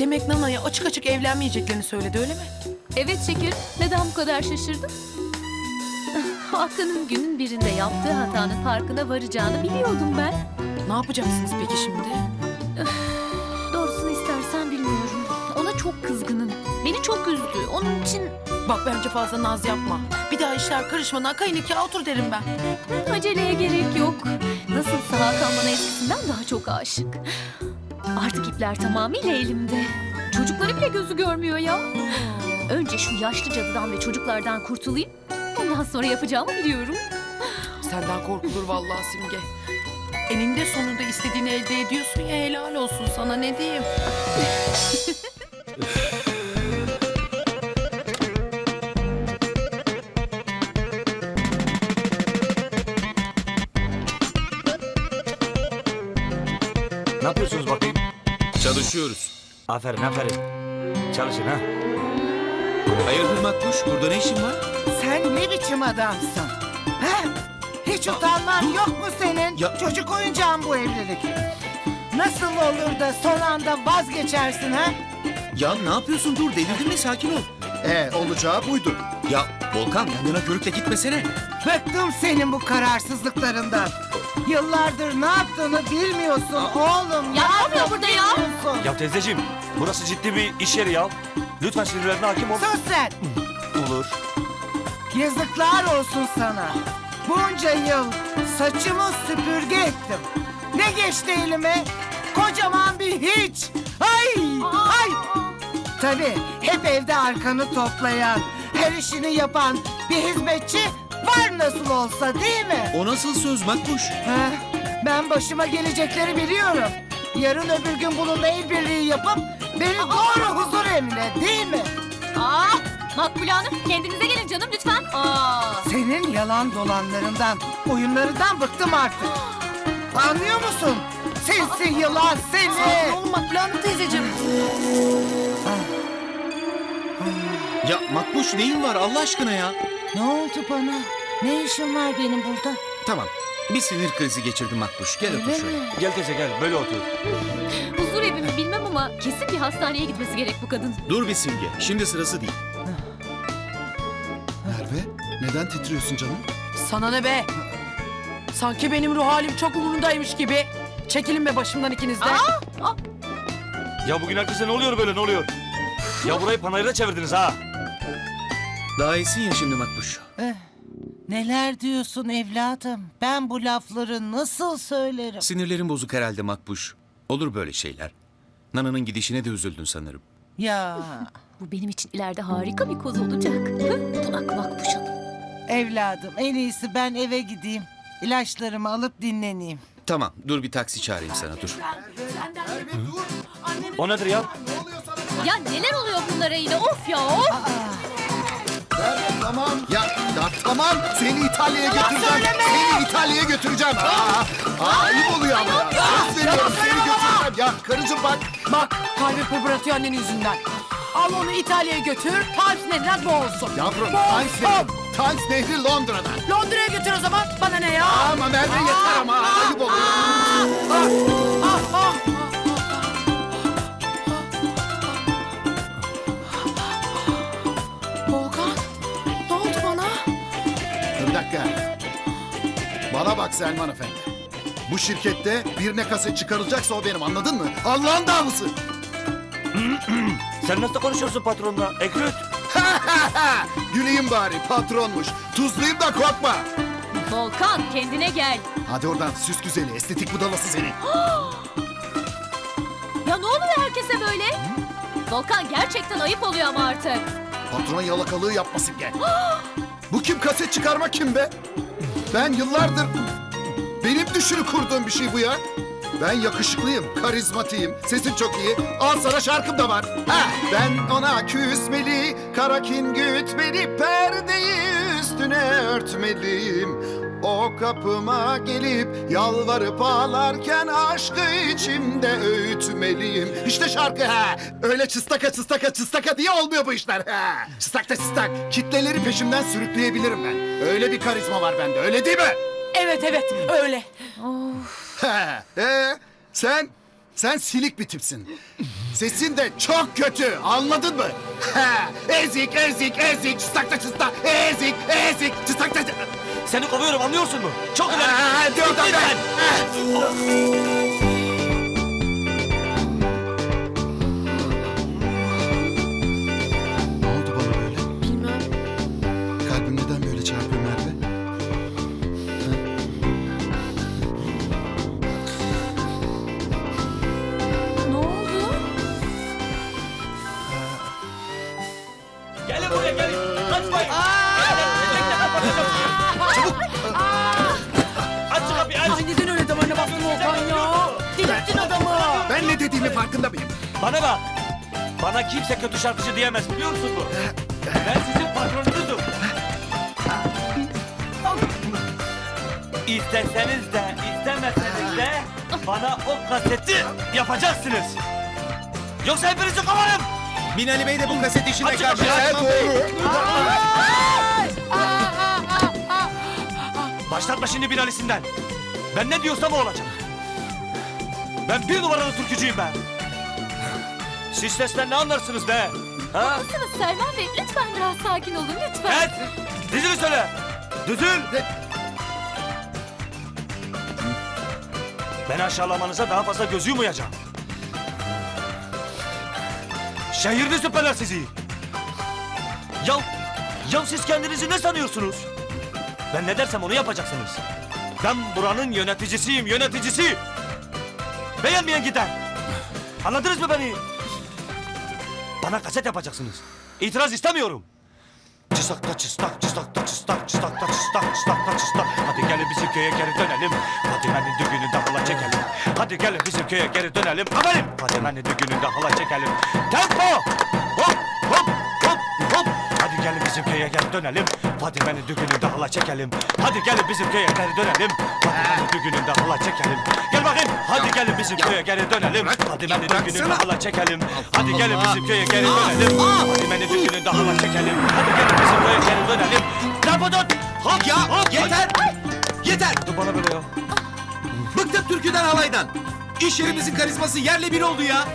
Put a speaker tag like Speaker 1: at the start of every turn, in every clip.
Speaker 1: Demek Nana'ya açık açık evlenmeyeceklerini söyledi, öyle mi?
Speaker 2: Evet şekerim. Neden bu kadar şaşırdın? Hakan'ın günün birinde yaptığı hatanın farkına varacağını biliyordum ben.
Speaker 1: Ne yapacaksınız peki şimdi?
Speaker 2: Doğrusunu istersen bilmiyorum. Ona çok kızgınım. Beni çok üzdü. Onun için
Speaker 1: Bak bence fazla naz yapma. Bir daha işler karışmadan kayın nikahı otur derim ben.
Speaker 2: aceleye gerek yok. Nasılsa Hakan bana eskisinden daha çok aşık. Artık ipler tamamıyla elimde. Çocukları bile gözü görmüyor ya. Önce şu yaşlı cadıdan ve çocuklardan kurtulayım. Ondan sonra yapacağımı biliyorum.
Speaker 1: Senden korkulur vallahi Simge. Eninde sonunda istediğini elde ediyorsun ya, helal olsun sana, ne diyeyim.
Speaker 3: Ne yapıyorsunuz bakayım?
Speaker 4: Çalışıyoruz.
Speaker 3: Aferin aferin. Çalışın ha.
Speaker 4: Hayırdır Makbuş? Burada ne işin var?
Speaker 5: Sen ne biçim adamsın? Ha? Hiç utanman yok mu senin?
Speaker 4: Ya-
Speaker 5: Çocuk oyuncağın bu evlilik. Nasıl olur da son anda vazgeçersin ha?
Speaker 4: Ya ne yapıyorsun? Dur, delirdin mi? Sakin ol.
Speaker 6: Olacağı buydu.
Speaker 4: Ya Volkan, yanına körükle gitmesene.
Speaker 5: Bıktım senin bu kararsızlıklarından. Yıllardır ne yaptığını bilmiyorsun oğlum.
Speaker 2: Ya ne oluyor burada ya?
Speaker 5: bilmiyorsun?
Speaker 3: Ya teyzeciğim burası ciddi bir iş yeri ya. Lütfen sinirlerine hakim ol.
Speaker 5: Sus sen.
Speaker 3: Olur.
Speaker 5: Yazıklar olsun sana. Bunca yıl saçımı süpürge ettim. Ne geçti elime? Kocaman bir hiç. Ay! Ay! Tabii hep evde arkanı toplayan, her işini yapan bir hizmetçi var nasıl olsa, değil mi?
Speaker 4: O nasıl söz Makbuş?
Speaker 5: Ha, ben başıma gelecekleri biliyorum. Yarın öbür gün bununla el birliği yapıp beni doğru huzur evine, değil mi?
Speaker 2: Makbule Hanım kendinize gelin canım lütfen.
Speaker 5: Senin yalan dolanlarından, oyunlarından bıktım artık. Anlıyor musun? Sinsi yılan seni.
Speaker 1: Sakin olun Makbule Hanım teyzeciğim.
Speaker 4: Ya Makbuş, neyin var Allah aşkına ya?
Speaker 5: Ne oldu bana? Ne işim var benim burada?
Speaker 4: Tamam, bir sinir krizi geçirdim Makbuş. Gel otur şöyle.
Speaker 3: Gel teyze gel böyle otur.
Speaker 2: Huzur evi mi bilmem ama kesin bir hastaneye gitmesi gerek bu kadın.
Speaker 4: Dur bir Simge, şimdi sırası değil.
Speaker 6: Merve, neden titriyorsun canım?
Speaker 1: Sana ne be? Sanki benim ruh halim çok umurundaymış gibi. Çekilin be başımdan ikiniz de.
Speaker 3: Ya bugün herkese ne oluyor böyle ne oluyor? Ya burayı panayırda çevirdiniz ha.
Speaker 4: Daha iyisin ya şimdi Makbuş.
Speaker 5: Neler diyorsun evladım? Ben bu lafları nasıl söylerim?
Speaker 4: Sinirlerin bozuk herhalde Makbuş. Olur böyle şeyler. Nana'nın gidişine de üzüldün sanırım.
Speaker 5: Ya
Speaker 2: Bu benim için ileride harika bir koz olacak. Bunak Makbuş Hanım.
Speaker 5: evladım, en iyisi ben eve gideyim. İlaçlarımı alıp dinleneyim.
Speaker 4: Tamam, dur bir taksi çağırayım sana, dur.
Speaker 3: O nedir ya?
Speaker 2: Ya neler oluyor bunlara yine of ya of.
Speaker 6: Tamam. Ya tamam. Seni İtalya'ya götüreceğim. Seni İtalya'ya götüreceğim. Ayıp oluyor ama ya. Söz veriyorum, seni götüreceğim. Ya karıcığım bak.
Speaker 1: Bak kalbi pırpıratıyor annenin yüzünden. Al onu İtalya'ya götür. Times Nehri'ne boğulsun.
Speaker 6: Yavrum,
Speaker 1: Boğulsun.
Speaker 6: Times Nehri Londra'da.
Speaker 1: Londra'ya götür o zaman. Bana ne ya?
Speaker 6: Ama Merve yeter ama. Ayıp oluyor.
Speaker 1: Ah, ah. Volkan, ne oldu bana?
Speaker 6: Bir dakika. Bana bak Selman Efendi. Bu şirkette birine kaset çıkarılacaksa o benim, anladın mı? Allah'ın davası.
Speaker 3: Sen nasıl konuşuyorsun patronla? Ekrüt.
Speaker 6: Güleyim bari, patronmuş. Tuzlayayım da korkma.
Speaker 2: Volkan kendine gel.
Speaker 6: Hadi oradan süs güzeli, estetik budalası seni.
Speaker 2: Ya ne oluyor herkese böyle? Volkan gerçekten ayıp oluyor ama artık.
Speaker 6: Patrona yalakalığı yapmasın gel. Bu kim, kaset çıkarma kim be? Ben yıllardır benim düşünü kurduğum bir şey bu ya. Ben yakışıklıyım, karizmatiyim, sesim çok iyi. Al sana şarkım da var. Ha, ben ona küsmeli, kara kin gütmeli, perdeyi üstüne örtmeliyim. O kapıma gelip yalvarıp ağlarken aşkı içimde öğütmeliyim. İşte şarkı ha. Öyle çыстaka çыстaka çыстaka diye olmuyor bu işler ha. Çıstakta çıstak. Kitleleri peşimden sürükleyebilirim ben. Öyle bir karizma var bende, öyle değil mi?
Speaker 1: Evet evet öyle.
Speaker 6: Sen silik bir tipsin. Sesin de çok kötü. Anladın mı? Ha, ezik, ezik, ezik. Çıstakta çıstak. Ezik, ezik. Çıstakta.
Speaker 3: Seni kovuyorum anlıyorsun mu? Çok ileri.
Speaker 6: Hadi oradan ben. Ne oldu bana böyle?
Speaker 1: Bilmem.
Speaker 6: Kalbim neden böyle çarpıyor Merve?
Speaker 2: Ne oldu?
Speaker 3: Gelin buraya gelin. Kaçmayın. Aç şu kapıyı aç.
Speaker 1: Ay neden öyle damarına bastın Volkan ya? Delirttin adamı.
Speaker 6: Ben ne dediğimi farkında mıyım?
Speaker 3: Bana bak. Bana kimse kötü şarkıcı diyemez biliyor musun bu? Ben sizin patronunuzum. İsteseniz de istemeseniz de bana o kaseti yapacaksınız. Yoksa hepinizi kovarım.
Speaker 4: Binali Bey de bu kaset işine
Speaker 3: Açık
Speaker 4: karşı.
Speaker 3: kapıyı.
Speaker 4: Erman Bey.
Speaker 3: Başlatma şimdi Binali'sinden. Ben ne diyorsam o olacak. Ben bir numaralı türkücüyüm ben. Siz sesten ne anlarsınız be? Ha?
Speaker 2: Mısınız Selman Bey? Lütfen biraz sakin olun lütfen.
Speaker 3: Evet. Dizini söyle. Düzül. Beni aşağılamanıza daha fazla göz yumayacağım. Şehirli süperler sizi. Ya siz kendinizi ne sanıyorsunuz? Ben ne dersem onu yapacaksınız. Ben buranın yöneticisiyim, yöneticisi. Beğenmeyen gider. Anladınız mı beni? Bana kaset yapacaksınız. İtiraz istemiyorum. Çıstakta çıstak, çıstakta çıstak, çıstakta çıstak, çıstakta çıstak. Hadi gelin bizim köye geri dönelim. Fatime'nin düğününde halay çekelim. Hadi gelin bizim köye geri dönelim. Haberim. Fatime'nin düğününde halay çekelim. Tempo! Hop hop hop hop. Hadi gelin bizim köye geri dönelim. Fatime'nin düğününde halay çekelim. Hadi gelin bizim köye geri dönelim. Fatime'nin düğününde halay çekelim. Gel bakayım. Hadi gelin bizim köye geri dönelim. Fatime'nin düğününde halay çekelim. Hadi gelin bizim köye geri dönelim. Fatime'nin düğününde halay çekelim. Hadi gelin bizim köye geri dönelim. Lafı tut. Hop
Speaker 4: Ya
Speaker 3: hop.
Speaker 4: yeter. Yeter.
Speaker 3: Dur bana böyle ya.
Speaker 4: Bıktık türküden halaydan. İş yerimizin karizması yerle bir oldu ya.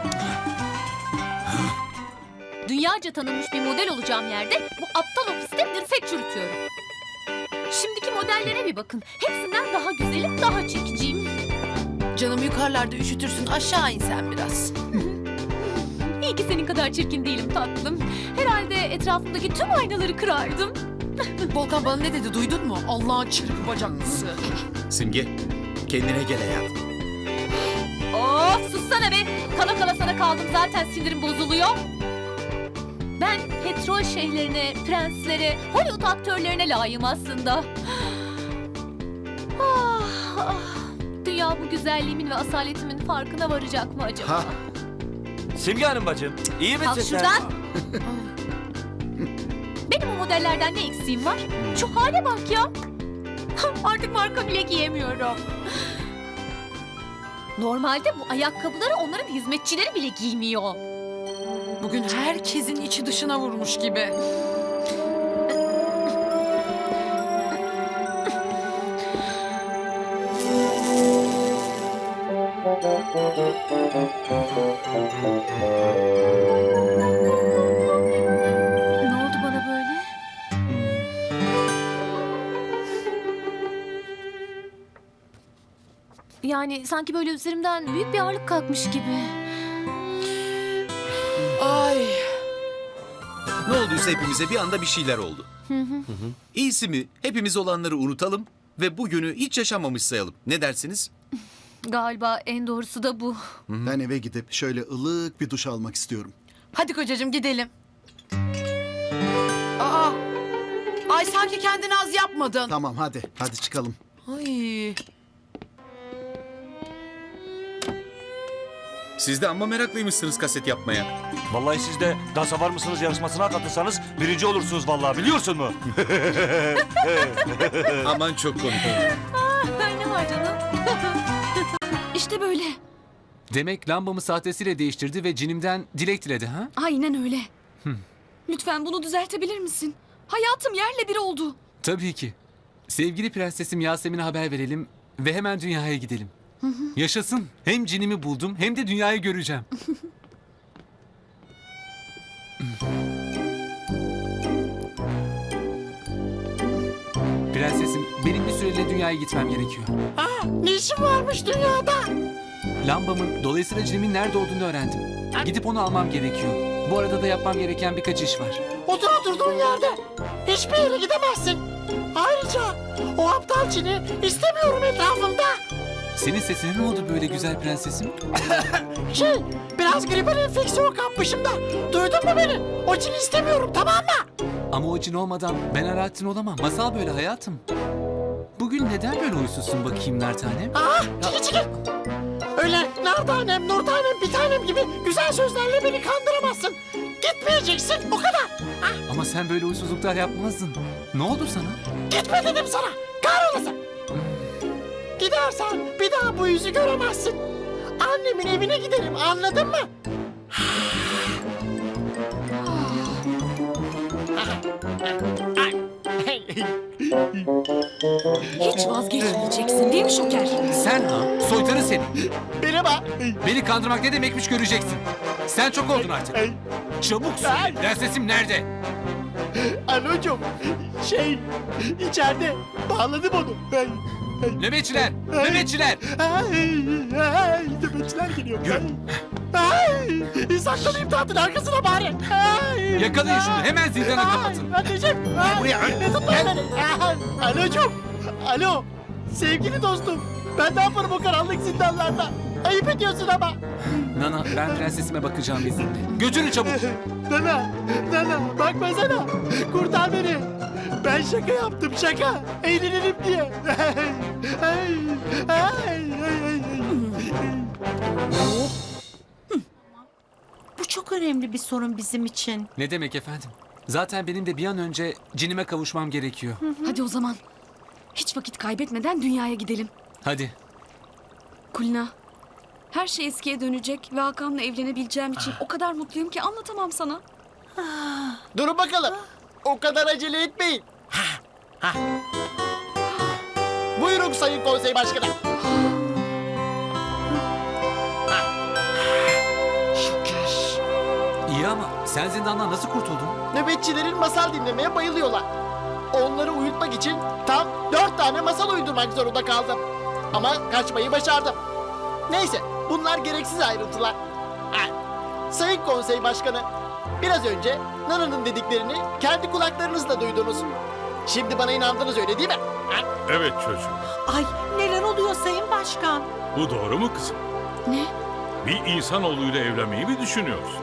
Speaker 2: Dünyaca tanınmış bir model olacağım yerde bu aptal ofiste dirsek çürütüyorum. Şimdiki modellere bir bakın. Hepsinden daha güzelim, daha çekiciyim.
Speaker 1: Canım yukarılarda üşütürsün, aşağı in sen biraz.
Speaker 2: İyi ki senin kadar çirkin değilim tatlım. Herhalde etrafımdaki tüm aynaları kırardım.
Speaker 1: Volkan bana ne dedi duydun mu? Allah'ın çırpı bacaklısı.
Speaker 4: Simge kendine gel hayatım.
Speaker 2: Of sussana be. Kala kala sana kaldım zaten sinirim bozuluyor. Ben petrol şeyhlerine, prenslere, Hollywood aktörlerine layığım aslında. Ah. Dünya bu güzelliğimin ve asaletimin farkına varacak mı acaba?
Speaker 6: Ha.
Speaker 3: Simge Hanım bacım. İyi misin
Speaker 2: Kalk
Speaker 3: sen?
Speaker 2: şuradan. Benim o modellerden ne eksiğim var? Şu hale bak ya. Artık marka bile giyemiyorum. Normalde bu ayakkabıları onların hizmetçileri bile giymiyor.
Speaker 1: Bugün herkesin içi dışına vurmuş gibi.
Speaker 2: Ne oldu bana böyle? Yani sanki böyle üzerimden büyük bir ağırlık kalkmış gibi.
Speaker 1: Ay.
Speaker 4: Ne olduysa hepimize bir anda bir şeyler oldu. İyisi mi hepimiz olanları unutalım ve bugünü hiç yaşanmamış sayalım. Ne dersiniz?
Speaker 2: Galiba en doğrusu da bu.
Speaker 6: Ben eve gidip şöyle ılık bir duş almak istiyorum.
Speaker 1: Hadi kocacığım gidelim. Aa. Ay sanki kendini az yapmadın.
Speaker 6: Tamam hadi çıkalım.
Speaker 1: Ay.
Speaker 4: Siz de amma meraklıymışsınız kaset yapmaya.
Speaker 3: Vallahi siz de dansa var mısınız yarışmasına katılsanız birinci olursunuz vallahi biliyorsun mu?
Speaker 4: Aman çok komik.
Speaker 2: Ne var canım? İşte böyle.
Speaker 7: Demek lambamı sahtesiyle değiştirdi ve cinimden dilek diledi ha?
Speaker 8: Aynen öyle. Lütfen bunu düzeltebilir misin? Hayatım yerle bir oldu.
Speaker 7: Tabii ki. Sevgili prensesim Yasemin'e haber verelim ve hemen dünyaya gidelim. Yaşasın. Hem cinimi buldum hem de dünyayı göreceğim. Prensesim, benim bir süreliğine dünyaya gitmem gerekiyor.
Speaker 5: Ne işin varmış dünyada?
Speaker 7: Lambamın, dolayısıyla cinimin nerede olduğunu öğrendim. Gidip onu almam gerekiyor. Bu arada da yapmam gereken birkaç iş var.
Speaker 5: Otur oturduğun yerde. Hiçbir yere gidemezsin. Ayrıca o aptal Çin'i istemiyorum etrafımda.
Speaker 7: Senin sesine ne oldu böyle güzel prensesim?
Speaker 5: Biraz gribal enfeksiyon kapmışım da. Duydun mu beni? O Çin'i istemiyorum, tamam mı?
Speaker 7: Ama o cin olmadan ben Alaaddin olamam. Masal böyle hayatım. Bugün neden böyle huysuzsun bakayım nar tanem?
Speaker 5: Çekil. Öyle nar tanem, nur tanem, bir tanem gibi güzel sözlerle beni kandıramazsın. Gitmeyeceksin, o kadar.
Speaker 7: Ama sen böyle huysuzluklar yapmazdın. Ne oldu sana?
Speaker 5: Gitme dedim sana. Kahrolasın. Gidersen bir daha bu yüzü göremezsin. Annemin evine giderim, anladın mı?
Speaker 8: Hiç vazgeçmeyeceksin değil mi Şoker?
Speaker 7: Sen ha? Soytarı seni.
Speaker 5: Merhaba.
Speaker 7: Beni kandırmak ne demekmiş göreceksin. Sen çok oldun artık. Çabuk söyle. Prensesim nerede?
Speaker 5: Anocum, içeride bağladım onu.
Speaker 7: Nöbetçiler! Nöbetçiler!
Speaker 5: Nöbetçiler geliyor.
Speaker 7: Yürü.
Speaker 5: Saklanayım tahtın arkasına bari.
Speaker 7: Yakalayın şunu. Hemen zindana kapatın.
Speaker 5: Anneciğim. Buraya. Tutmayın beni. Anocum. Alo. Sevgili dostum. Ben ne yaparım o karanlık zindanlarda? Ayıp ediyorsun ama.
Speaker 7: Nana, ben prensesime bakacağım izinle. Götürün çabuk.
Speaker 5: Nana bakmasana. Kurtar beni. Ben şaka yaptım şaka. Eğlenelim diye.
Speaker 9: Bu çok önemli bir sorun bizim için.
Speaker 7: Ne demek efendim? Zaten benim de bir an önce cinime kavuşmam gerekiyor.
Speaker 8: Hadi o zaman. Hiç vakit kaybetmeden dünyaya gidelim.
Speaker 7: Hadi.
Speaker 8: Kulina, her şey eskiye dönecek ve Hakan'la evlenebileceğim için o kadar mutluyum ki anlatamam sana.
Speaker 5: Durun bakalım. O kadar acele etmeyin. Buyurun Sayın Konsey Başkanı. Şoker.
Speaker 7: İyi ama sen zindandan nasıl kurtuldun?
Speaker 5: Nöbetçilerin masal dinlemeye bayılıyorlar. Onları uyutmak için tam 4 tane masal uydurmak zorunda kaldım. Ama kaçmayı başardım. Neyse, bunlar gereksiz ayrıntılar. Sayın Konsey Başkanı, biraz önce Nana'nın dediklerini kendi kulaklarınızla duydunuz. Şimdi bana inandınız, öyle değil mi?
Speaker 10: Evet çocuğum.
Speaker 9: Ay neler oluyor Sayın Başkan?
Speaker 10: Bu doğru mu kızım?
Speaker 8: Ne?
Speaker 10: Bir insanoğluyla evlenmeyi mi düşünüyorsun?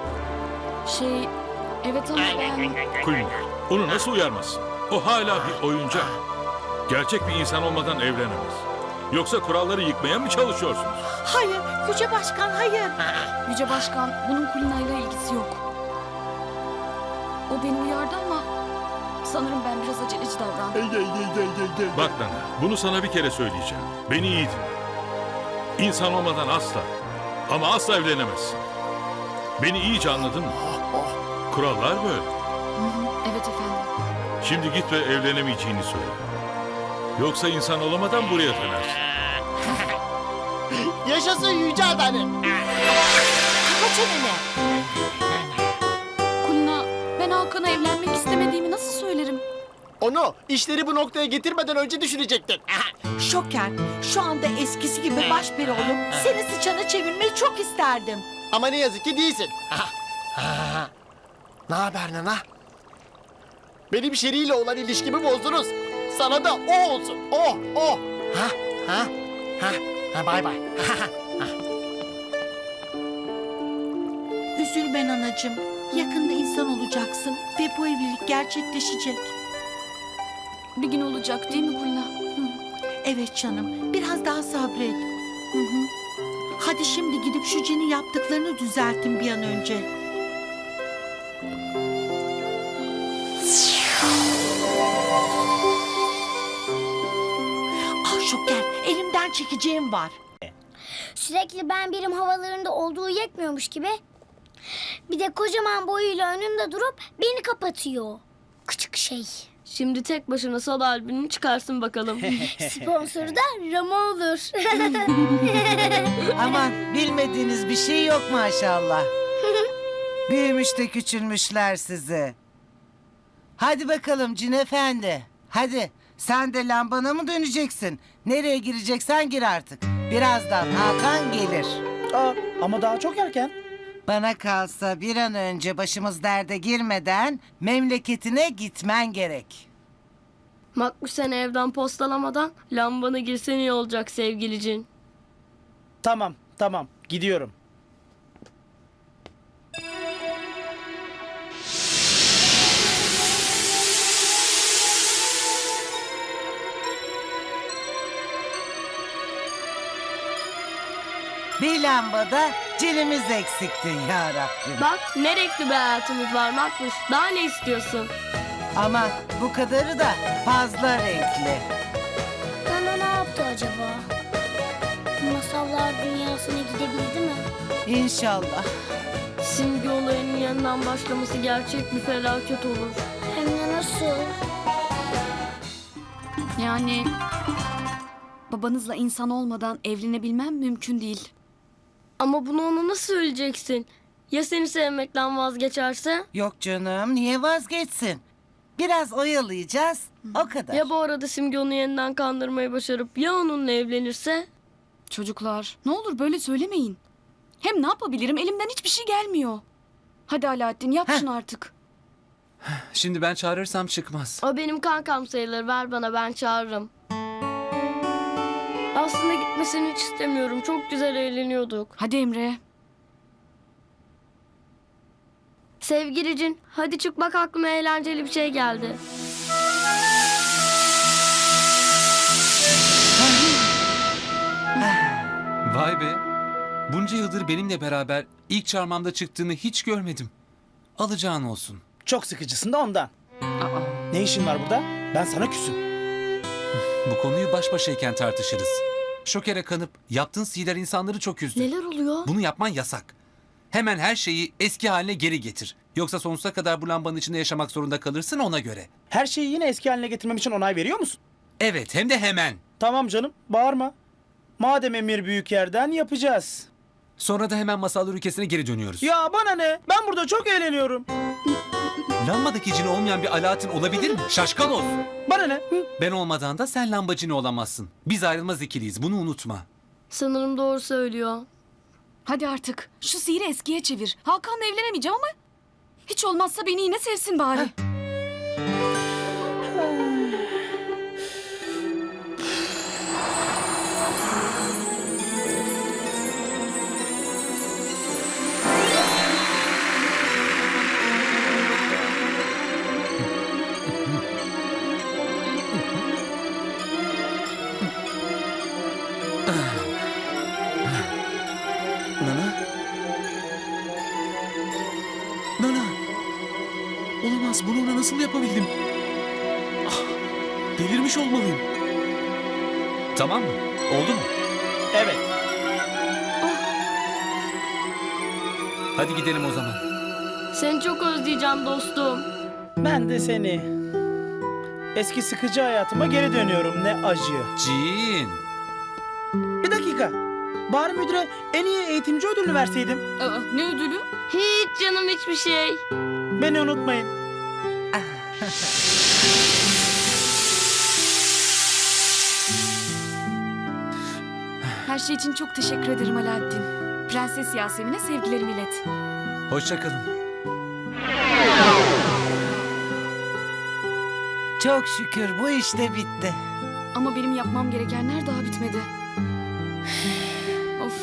Speaker 8: Evet ama ben...
Speaker 10: Kulina, onu nasıl uyarmazsın? O hala bir oyuncak. Gerçek bir insan olmadan evlenemez. Yoksa kuralları yıkmaya mı çalışıyorsunuz?
Speaker 9: Hayır Yüce Başkan hayır.
Speaker 8: Yüce Başkan, bunun Kulina'yla ilgisi yok. O beni uyardı ama sanırım ben biraz aceleci davrandım.
Speaker 10: Bak Nana, bunu sana bir kere söyleyeceğim. Beni iyi dinle. İnsan olmadan asla ama asla evlenemezsin. Beni iyice anladın mı? Kurallar böyle.
Speaker 8: Evet efendim.
Speaker 10: Şimdi git ve evlenemeyeceğini söyle. Yoksa insan olamadan buraya dönersin.
Speaker 5: Yaşasın Yüce Adalet.
Speaker 9: Kapa çeneni.
Speaker 8: Kulina, ben Hakan'a evlenmek istemediğimi nasıl söylerim?
Speaker 5: Onu işleri bu noktaya getirmeden önce düşünecektin.
Speaker 9: Şoker şu anda eskisi gibi başperi olup seni sıçana çevirmeyi çok isterdim.
Speaker 5: Ama ne yazık ki değilsin. Ne haber Nana? Benim Şeri'yle olan ilişkimi bozdunuz. Sana da o olsun. O. Bay bay.
Speaker 9: Üzülme anacığım. Yakında insan olacaksın ve bu evlilik gerçekleşecek.
Speaker 8: Bir gün olacak değil mi Kulina?
Speaker 9: Evet canım biraz daha sabret. Hadi şimdi gidip şu Cin'in yaptıklarını düzeltin bir an önce. Ah Şoker elimden çekeceğim var.
Speaker 11: Sürekli ben birim havalarında olduğu yetmiyormuş gibi. Bir de kocaman boyuyla önümde durup beni kapatıyor. Küçük şey.
Speaker 8: Şimdi tek başına sal albümünü çıkarsın bakalım.
Speaker 11: Sponsoru da Ramo olur.
Speaker 5: Aman bilmediğiniz bir şey yok maşallah. Büyümüş de küçülmüşler sizi. Hadi bakalım Cin Efendi. Hadi sen de lambana mı döneceksin? Nereye gireceksen gir artık. Birazdan Hakan gelir.
Speaker 12: Ama daha çok erken.
Speaker 5: Bana kalsa bir an önce başımız derde girmeden memleketine gitmen gerek.
Speaker 13: Makbuş seni evden postalamadan lambana girsen iyi olacak sevgilicin.
Speaker 12: Tamam gidiyorum.
Speaker 5: Bir lambada cinimiz eksikti ya Rabbim.
Speaker 13: Bak ne renkli bir hayatımız var Makbuş. Daha ne istiyorsun?
Speaker 5: Ama bu kadarı da fazla renkli.
Speaker 11: Nana ne yaptı acaba? Masallar dünyasına gidebildi mi?
Speaker 5: İnşallah.
Speaker 13: Simge olayının yeniden başlaması gerçek bir felaket olur.
Speaker 11: Hem de nasıl?
Speaker 8: Yani babanızla insan olmadan evlenebilmem mümkün değil.
Speaker 13: Ama bunu ona nasıl söyleyeceksin? Ya seni sevmekten vazgeçerse?
Speaker 5: Yok canım niye vazgeçsin? Biraz oyalayacağız o kadar.
Speaker 13: Ya bu arada Simge onu yeniden kandırmayı başarıp ya onunla evlenirse?
Speaker 8: Çocuklar ne olur böyle söylemeyin. Hem ne yapabilirim elimden hiçbir şey gelmiyor. Hadi Alaaddin yap şunu artık.
Speaker 7: Şimdi ben çağırırsam çıkmaz.
Speaker 13: O benim kankam sayılır, ver bana, ben çağırırım. Aslında gitmesini hiç istemiyorum. Çok güzel eğleniyorduk.
Speaker 8: Hadi Emre.
Speaker 13: Sevgilicin, hadi çık bak, aklıma eğlenceli bir şey geldi.
Speaker 7: Vay be. Bunca yıldır benimle beraber ilk çarmamda çıktığını hiç görmedim. Alacağın olsun.
Speaker 12: Çok sıkıcısın da ondan. Ne işin var burada? Ben sana küsüm.
Speaker 7: Bu konuyu baş başayken tartışırız. Şokere kanıp yaptığın sihirler insanları çok üzdü.
Speaker 13: Neler oluyor?
Speaker 7: Bunu yapman yasak. Hemen her şeyi eski haline geri getir. Yoksa sonsuza kadar bu lambanın içinde yaşamak zorunda kalırsın, ona göre.
Speaker 12: Her şeyi yine eski haline getirmem için onay veriyor musun?
Speaker 7: Evet, hem de hemen.
Speaker 12: Tamam canım, bağırma. Madem emir büyük yerden yapacağız.
Speaker 7: Sonra da hemen masallar ülkesine geri dönüyoruz.
Speaker 12: Ya bana ne? Ben burada çok eğleniyorum.
Speaker 7: Lambadaki cini olmayan bir Alaaddin olabilir mi? Şaşkaloz.
Speaker 12: Bana ne?
Speaker 7: Ben olmadan da sen lamba cini olamazsın. Biz ayrılmaz ikiliyiz, bunu unutma.
Speaker 13: Sanırım doğru söylüyor.
Speaker 8: Hadi artık şu sihiri eskiye çevir. Hakan'la evlenemeyeceğim ama hiç olmazsa beni yine sevsin bari.
Speaker 4: Nana? Nana! Olamaz, bunu ona nasıl yapabildim? Ah, delirmiş olmalıyım.
Speaker 7: Tamam mı? Oldu mu?
Speaker 12: Evet.
Speaker 7: Hadi gidelim o zaman.
Speaker 13: Seni çok özleyeceğim dostum.
Speaker 12: Ben de seni. Eski sıkıcı hayatıma geri dönüyorum, ne acı.
Speaker 7: Cin.
Speaker 12: Bir dakika. Bari müdüre en iyi eğitimci ödülünü verseydim.
Speaker 8: Ne ödülü?
Speaker 13: Hiç canım, hiçbir şey.
Speaker 12: Beni unutmayın.
Speaker 8: Her şey için çok teşekkür ederim Alaaddin. Prenses Yasemin'e sevgilerimi ilet.
Speaker 7: Hoşça kalın.
Speaker 5: Çok şükür bu iş de bitti.
Speaker 8: Ama benim yapmam gerekenler daha bitmedi. Of.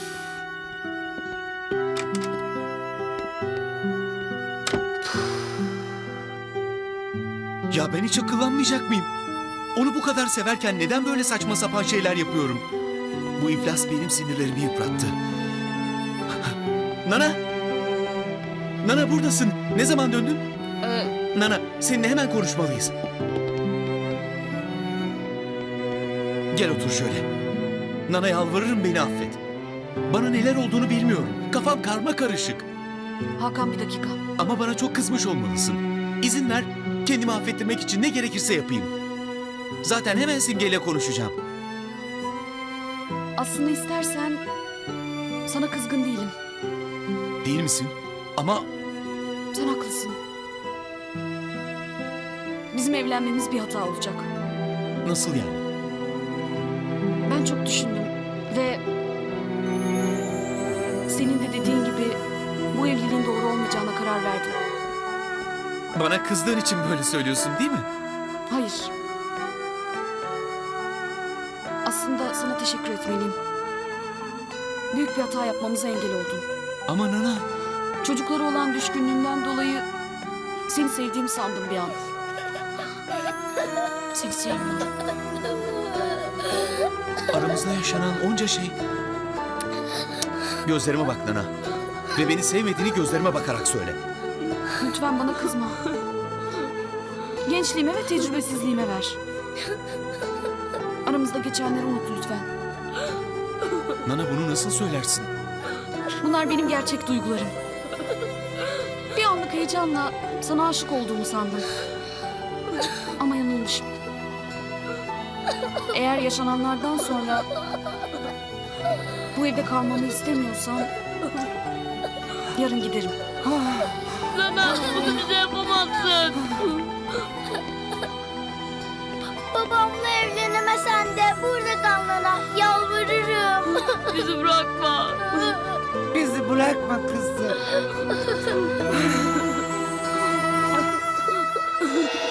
Speaker 4: Ya ben hiç akıllanmayacak mıyım? Onu bu kadar severken neden böyle saçma sapan şeyler yapıyorum? Bu iflas benim sinirlerimi yıprattı. Nana! Nana buradasın. Ne zaman döndün? Nana, seninle hemen konuşmalıyız. Gel otur şöyle. Nana, yalvarırım, beni affet. Bana neler olduğunu bilmiyorum. Kafam karma karışık.
Speaker 8: Hakan bir dakika.
Speaker 4: Ama bana çok kızmış olmalısın. İzin ver, kendimi affettirmek için ne gerekirse yapayım. Zaten hemen Simge'yle konuşacağım.
Speaker 8: Aslında istersen sana kızgın değilim.
Speaker 4: Değil misin? Ama
Speaker 8: haklısın. Bizim evlenmemiz bir hata olacak.
Speaker 4: Nasıl yani?
Speaker 8: Ben çok düşündüm ve senin de dediğin gibi bu evliliğin doğru olmayacağına karar verdim.
Speaker 4: Bana kızdığın için böyle söylüyorsun değil mi?
Speaker 8: Hayır. Aslında sana teşekkür etmeliyim. Büyük bir hata yapmamıza engel oldun.
Speaker 4: Ama Nana.
Speaker 8: Çocuklara olan düşkünlüğümden dolayı seni sevdiğimi sandım bir an. Seni sevmiyorum.
Speaker 4: Aramızda yaşanan onca şey. Gözlerime bak Nana. Ve beni sevmediğini gözlerime bakarak söyle.
Speaker 8: Lütfen bana kızma. Gençliğime ve tecrübesizliğime ver. Aramızda geçenleri unut lütfen.
Speaker 4: Nana bunu nasıl söylersin?
Speaker 8: Bunlar benim gerçek duygularım. Bir anlık heyecanla sana aşık olduğumu sandım. Ama yanılmışım. Eğer yaşananlardan sonra bu evde kalmamı istemiyorsan yarın giderim.
Speaker 13: Nana bunu bize yapamazsın.
Speaker 11: Babamla evlenemesen de burada kal Nana. Yalvarırım.
Speaker 13: Bizi bırakma.
Speaker 5: Bizi bırakma kızım.